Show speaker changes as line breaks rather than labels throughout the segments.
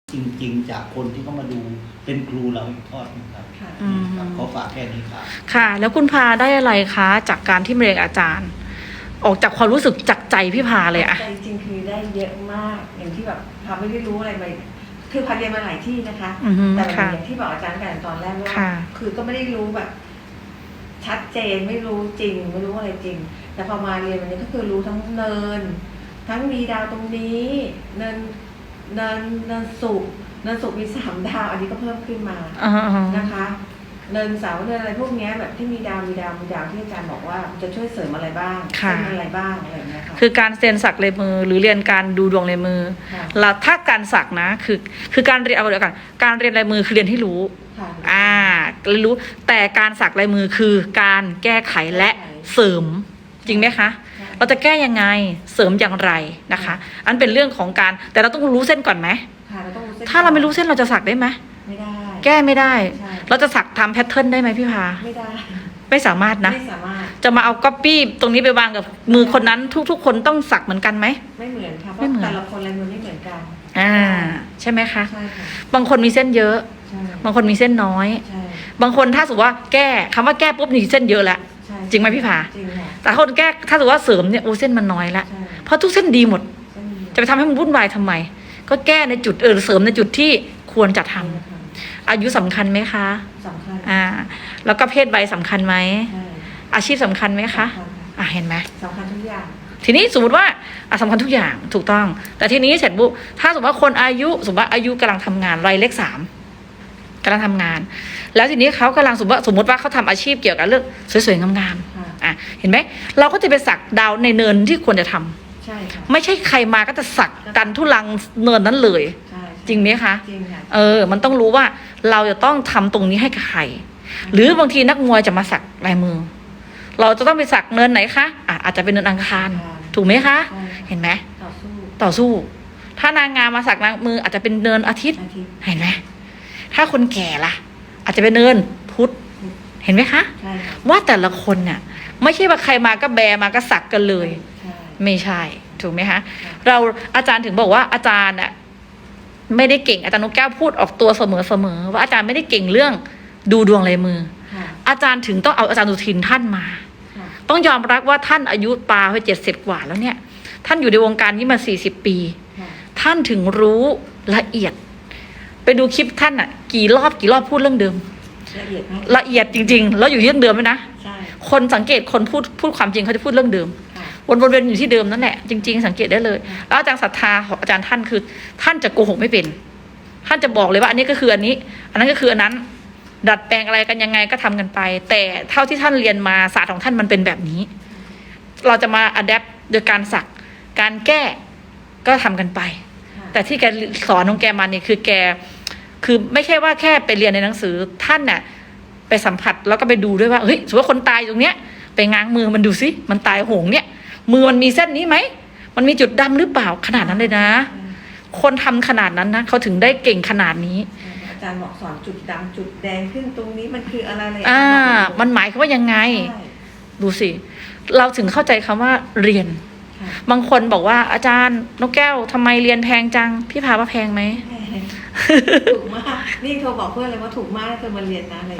จริงๆจากคนที่เขามาดูเป็นครูเราอีกทอดนึงครับขอฝากแค่นี้ครับ
ค่ะแล้วคุณพาได้อะไรคะจากการที่มาเรียนอาจารย์ ออกจากความรู้สึกจากใจพี่พาเลยอะ
ใจจริงคือได้เยอะมากอย่างที่แบบพาไม่ได้รู้อะไรมาคือพาเรียนมาหลายที่นะคะแต่อย่างที่บอกอาจารย์กันตอนแรกว่าคือก็ไม่ได้รู้แบบชัดเจนไม่รู้จริงไม่รู้อะไรจริงแต่พอมาเรียนวันนี้ก็คือรู้ทั้งเนินทั้งมีดาวตรงนี้เนินสุกมี3 ดาวอันนี้ก็เพิ่มขึ้นมานะคะเนินเสาเนินอะไรพวกนี้แบบที่มีดาวที่อาจารย์บอกว่าจะช่วยเสริมอะไรบ้างเป็นอะไรบ้างอะไรอย่างเงี้ยค่ะ
คือการเซ็นสักลายมือหรือเรียนการดูดวงลายมือแล้วถ้าการสักนะคือการเรียนเอาเดียวกันการเรียนลายมือคือเรียนให้รู้เรียนรู้แต่การสักลายมือคือการแก้ไขและเสริมจริงไหมคะเราจะแก้ยังไงเสริมอย่างไรนะคะอันเป็นเรื่องของการแต่เราต้องรู้เส้นก่อนไหมถ้าเราไม่รู้เส้นเราจะสักได้ไหม
ไม่ได้
แก้ไม่ได้เราจะสักทำแพทเทิร์นได้ไหมพี่พา
ไม่ได้
ไม่สามารถนะ
ไม่สามารถ
จะมาเอาก๊อปปี้ตรงนี้ไปวางกับมือคนนั้นทุกคนต้องสักเหมือนกันไหม
ไม่เหมือนค่ะเพราะแต่ละคนลายมือไม่เหมือนกัน
ใช่ไหมคะ
ใช่ค่ะ
บางคนมีเส้นเยอะบางคนมีเส้นน้อยบางคนถ้าสมมติว่าแก้คำว่าแก้ปุ๊บนี่เส้นเยอะแล้วจริงไหมพี่ผาแต่คนแก้ถ้าสมมติว่าเสริมเนี่ยโอ้เส้นมันน้อยแล้วเพราะทุกเส้นดีหมดจะไปทำให้มันวุ่นวายทำไมก็แก้ในจุดเสริมในจุดที่ควรจะทำอายุสำคัญไหมคะ
สำคัญ
แล้วก็เพศวัยสำคัญไหมอาชีพสำคัญไหมคะเห็นไหม
สำคัญทุกอย่าง
ทีนี้สมมติว่าสำคัญทุกอย่างถูกต้องแต่ทีนี้เสร็จปุ๊บถ้าสมมติว่าคนอายุสมมติว่าอายุกำลังทำงานวัยเลข 3กำลังทำงานแล้วทีนี้เขากำลังสมมติว่าเขาทำอาชีพเกี่ยวกับเรื่องสวยๆงามๆเห็นไหมเราก็จะไปสักดาวในเนินที่ควรจะทำ
ใช่ค่ะ
ไม่ใช่ใครมาก็จะสักกันทุลังเนินนั้นเลยจริงไหมคะ
จริงค่ะ
มันต้องรู้ว่าเราจะต้องทำตรงนี้ให้กับใครหรือบางทีนักมวยจะมาสักลายมือเราจะต้องไปสักเนินไหนคะอาจจะเป็นเนินอังคารถูกไหมคะเห็นไหมต่อสู้ถ้านางงามมาสักลายมืออาจจะเป็นเนินอาทิตย์เห็นไหมถ้าคนแก่ล่ะอาจจะเป็นเนินพุธเห็นไหมคะว่าแต่ละคนเนี่ยไม่ใช่ว่าใครมาก็แบมาก็สักกันเลยไม่ใช่ถูกไหมคะเราอาจารย์ถึงบอกว่าอาจารย์ไม่ได้เก่งอาจารย์นกแก้วพูดออกตัวเสมอว่าอาจารย์ไม่ได้เก่งเรื่องดูดวงลายมืออาจารย์ถึงต้องเอาอาจารย์สุทินท่านมาต้องยอมรับว่าท่านอายุปาไป70 กว่าแล้วเนี่ยท่านอยู่ในวงการนี้มา40 ปีท่านถึงรู้ละเอียดไปดูคลิปท่านกี่รอบพูดเรื่องเดิมละเอียดจริงๆแล้วอยู่เรื่องเดิมไหมนะคนสังเกตคนพูดความจริงเขาจะพูดเรื่องเดิมวนๆอยู่ที่เดิมนั่นแหละจริงๆสังเกตได้เลยแล้วอาจารย์ศรัทธาของอาจารย์ท่านคือท่านจะโกหกไม่เป็นท่านจะบอกเลยว่าอันนี้ก็คืออันนี้อันนั้นก็คืออันนั้นดัดแปลงอะไรกันยังไงก็ทำกันไปแต่เท่าที่ท่านเรียนมาศาสตร์ของท่านมันเป็นแบบนี้เราจะมาอัดแอปโดยการสักการแก้ก็ทำกันไปแต่ที่แกสอนของแกมาเนี่ยคือแกคือไม่ใช่ว่าแค่ไปเรียนในหนังสือท่านไปสัมผัสแล้วก็ไปดูด้วยว่าเฮ้ยสมมติว่าคนตายตรงเนี้ยไปง้างมือมันดูซิมันตายโหงเนี่ยมือมันมีเส้นนี้ไหมมันมีจุดดำหรือเปล่าขนาดนั้นเลยนะคนทำขนาดนั้นนะเขาถึงได้เก่งขนาดนี้
อาจารย์บอกสอนจุดดำจุดแดงขึ้นตรงนี้มันคืออะไรเลย
มันหมายความว่ายังไงดูสิเราถึงเข้าใจคำว่าเรียนบางคนบอกว่าอาจารย์นกแก้วทำไมเรียนแพงจังพี่พาว่าแพงไหม
ถูกมากนี่โทรบอกเพื่อนเลยว่าถูกมากเธอมาเรียนนะอะไร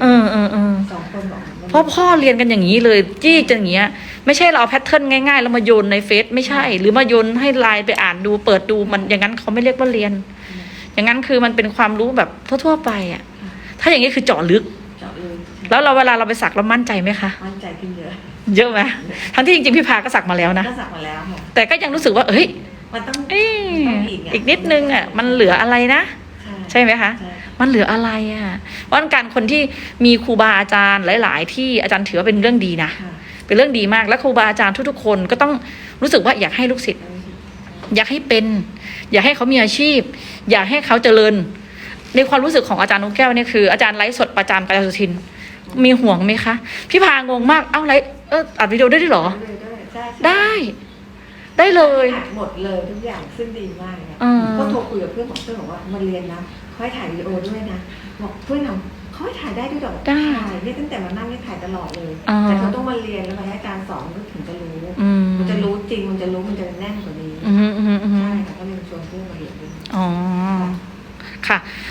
2 คนบอก
เพราะพ่อเรียนกันอย่างนี้เลยจี้จังอย่างเงี้ยไม่ใช่เราเอาแพทเทิร์นง่ายๆแล้วมาโยนในเฟซไม่ใช่หรือมาโยนให้ไลน์ไปอ่านดูเปิดดูมันอย่างนั้นเขาไม่เรียกว่าเรียนอย่างนั้นคือมันเป็นความรู้แบบทั่วๆไปถ้าอย่างนี้คือเจาะลึกแล้วเราเวลาเราไปสักเรามั่นใจไหมคะ
มั่นใจขึ้น
เยอะไหมทั้งที่จริงๆพี่พาก็สักมาแล้วนะ
ก็สักมาแล้วค่ะ
แต่ก็ยังรู้สึกว่าเฮ้ย
มันต้อง
อีกนิดนึงมันเหลืออะไรนะใช่ไหมคะมันเหลืออะไรเพราะการคนที่มีครูบาอาจารย์หลายๆที่อาจารย์ถือว่าเป็นเรื่องดีนะเป็นเรื่องดีมากและครูบาอาจารย์ทุกๆคนก็ต้องรู้สึกว่าอยากให้ลูกศิษย์อยากให้เป็นอยากให้เขามีอาชีพอยากให้เขาเจริญในความรู้สึกของอาจารย์นกแก้วเนี่ยคืออาจารย์ไลฟ์สดประจำกับอาจารย์สุทินมีห่วงไหมคะพี่พางงมากไลฟ์อัดวิดีโอได้ด้วยหรอได้เลย
หมดเลยทุกอย่างซึ่งดีมากก็โทรคุยกับเพื่อนบอกว่ามาเรียนนะเขาให้ถ่ายวิดีโอด้วยนะบอกเพื่อนเขาให้ถ่ายได้ด้วยหรอถ่ายเนี่ยตั้งแต่มานั่งเนี่ยถ่ายตลอดเลยแต่เขาต้องมาเรียนแล้วมาให้อาจารย์สอนก็ถึงจะรู้มันจะรู้จริงมันจะรู้มันจะแน่นกว่านี้ใช่ค่ะก็เลยชวนเพื่อนมาเรียนด้วย
ค่ะ